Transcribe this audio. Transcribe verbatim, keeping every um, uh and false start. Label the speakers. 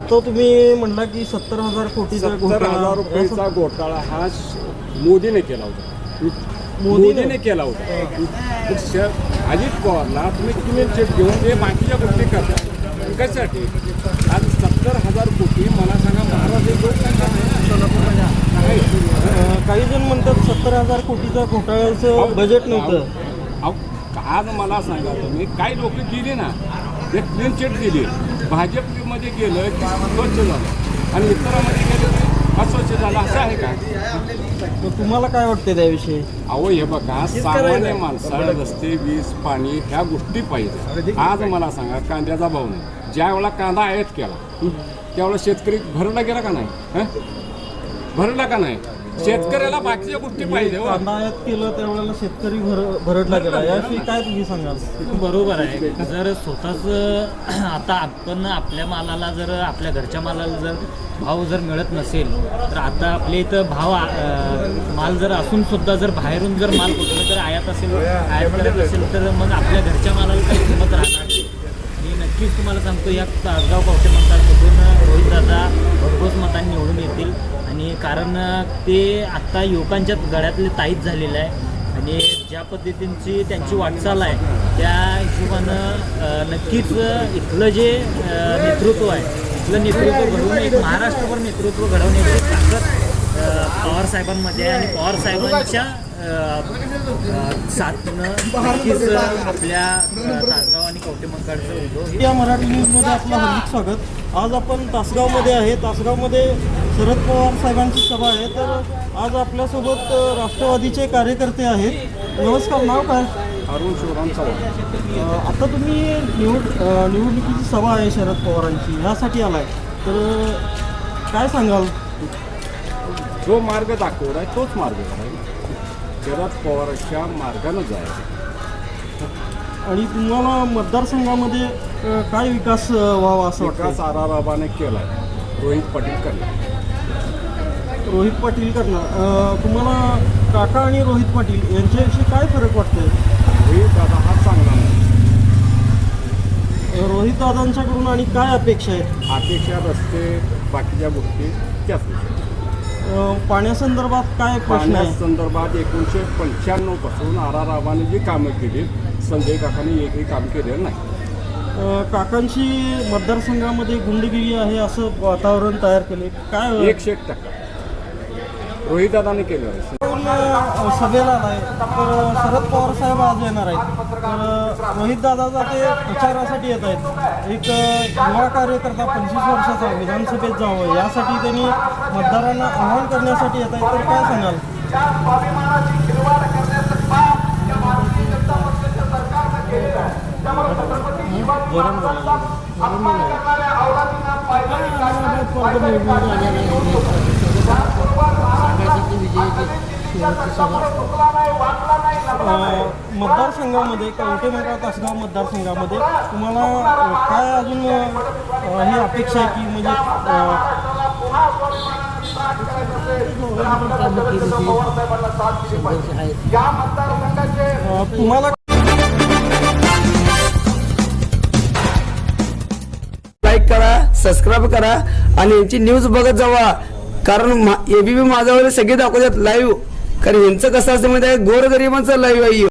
Speaker 1: आता तुम्ही म्हणला की सत्तर हजार कोटीचा
Speaker 2: सत्तर हजार रुपयाचा घोटाळा हा मोदीने केला होता, मोदीने केला होता. श- अजित पवारला तुम्ही क्लीन चिट घेऊन ते बाकीच्या गोष्टी करता कशासाठी? आज सत्तर हजार कोटी मला सांगा महाराष्ट्र लोकसंख्या नाही.
Speaker 1: अं, काही जण म्हणतात सत्तर हजार कोटीचा घोटाळ्याचं बजेट नव्हतं.
Speaker 2: अहो, आज मला सांगा तुम्ही काही लोक गेली ना ते क्लीन चिट दिली, भाजपमध्ये गेलं की स्वच्छ झालं आणि इतरांमध्ये गेलं की अस्वच्छ झालं, असं आहे का?
Speaker 1: मग तुम्हाला काय वाटतं त्याविषयी?
Speaker 2: अहो हे बघा, सामान्य माणसाला रस्ते, वीज, पाणी ह्या गोष्टी पाहिजे. आज मला सांगा कांद्याचा भाव नाही. ज्या वेळेला कांदा आयात केला त्यावेळेला शेतकरी भरला गेला का नाही? हं? भरला का नाही? शेतकऱ्याला बाकीच्या गोष्टी पाहिजे. हो.
Speaker 1: कांदा आयात केलं त्यावेळेला शेतकरी भर भरडला गेला, याविषयी काय तुम्ही सांगाल?
Speaker 3: बरोबर आहे. जर स्वतःच आता आपण आपल्या मालाला जर आपल्या घरच्या मालाला जर भाव जर मिळत नसेल तर आता आपल्या इथं भाव अं, माल जर असून सुद्धा जर बाहेरून जर माल कुठलं जर आयात असेल आयात करत असेल तर मग आपल्या घरच्या मालाला काही किंमत राहणार नाही. मी नक्कीच तुम्हाला सांगतो या तासगाव कवठे मतदारसंघातून रोहितदादा भरघोस मतांनी निवडून येतील. आणि कारण ते आत्ता युवकांच्या गळ्यातले ताईत झालेलं आहे आणि ज्या पद्धतींची त्यांची वाटचाल आहे त्या हिशोबानं नक्कीच इथलं जे नेतृत्व आहे इथलं नेतृत्व घडवून एक महाराष्ट्रभर नेतृत्व घडवण्याची ताकद पवार साहेबांमध्ये आहे आणि पवार साहेबांच्या साथनं नक्कीच आपल्या तासगाव आणि कवठे मंकाळचं उद्योग.
Speaker 1: या मराठी न्यूजमध्ये आपलं हार्दिक स्वागत. आज आपण तासगावमध्ये आहे. तासगावमध्ये शरद पवार साहेबांची सभा आहे, तर आज आपल्यासोबत राष्ट्रवादीचे कार्यकर्ते आहेत. नमस्कार, नाव काय?
Speaker 2: अरुण शिवराम चव्हाण.
Speaker 1: अ, आता तुम्ही निवड अ, निवडणुकीची सभा आहे शरद पवारांची, ह्यासाठी आलाय, तर काय सांगाल?
Speaker 2: जो मार्ग दाखवला आहे तोच मार्ग आहे. शरद पवारांच्या मार्गानं जायचं.
Speaker 1: आणि तुम्हाला मतदारसंघामध्ये अ, काय विकास अ, व्हावा असं
Speaker 2: विकास
Speaker 1: वाटतं?
Speaker 2: आराराबाने केला आहे, रोहित पाटील करणार.
Speaker 1: रोहित पाटील करणार. अ, तुम्हाला काका आणि रोहित पाटील यांच्याविषयी काय फरक वाटतोय?
Speaker 2: रोहित दादा हा चांगला नाही.
Speaker 1: रोहित दादांच्याकडून आणि काय अपेक्षा आहेत?
Speaker 2: अपेक्षा रस्ते बाकीच्या गोष्टी त्याच गोष्टी.
Speaker 1: अ, पाण्यासंदर्भात काय प्रश्न आहे?
Speaker 2: पाण्यासंदर्भात एकोणीसशे पंच्याण्णव पासून आराराबाने जी कामं केली संजय काकांनी एकही काम केलेलं नाही.
Speaker 1: अ, काकांची मतदारसंघामध्ये गुंडगिरी आहे असं वातावरण तयार केले, काय
Speaker 2: एकशे एक टक्का रोहित दादाने केलं आहे.
Speaker 1: आपण, अ, सभेला आलाय, तर शरद पवार साहेब आज येणार आहेत, तर रोहित दादा ते प्रचारासाठी येत आहेत. एक अ, युवा कार्यकर्ता पंचवीस वर्षाचा विधानसभेत जावं यासाठी त्यांनी मतदारांना आवाहन करण्यासाठी येत आहेत, तर काय सांगाल? मतदारसंघामध्ये कवठे मंकाळ तासगाव मतदारसंघामध्ये तुम्हाला अ, काय अजून अ, ही अपेक्षा आहे की म्हणजे अ, तुम्हाला
Speaker 4: लाईक करा, सबस्क्राईब करा आणि यांची न्यूज बघत जावा. कारण एबीपी माझ्यावर सगळे दाखवतात लाईव्ह. कारण यांचं कसं असतं माहिती आहे, गोरगरिबांचं लाईव्ह आहे.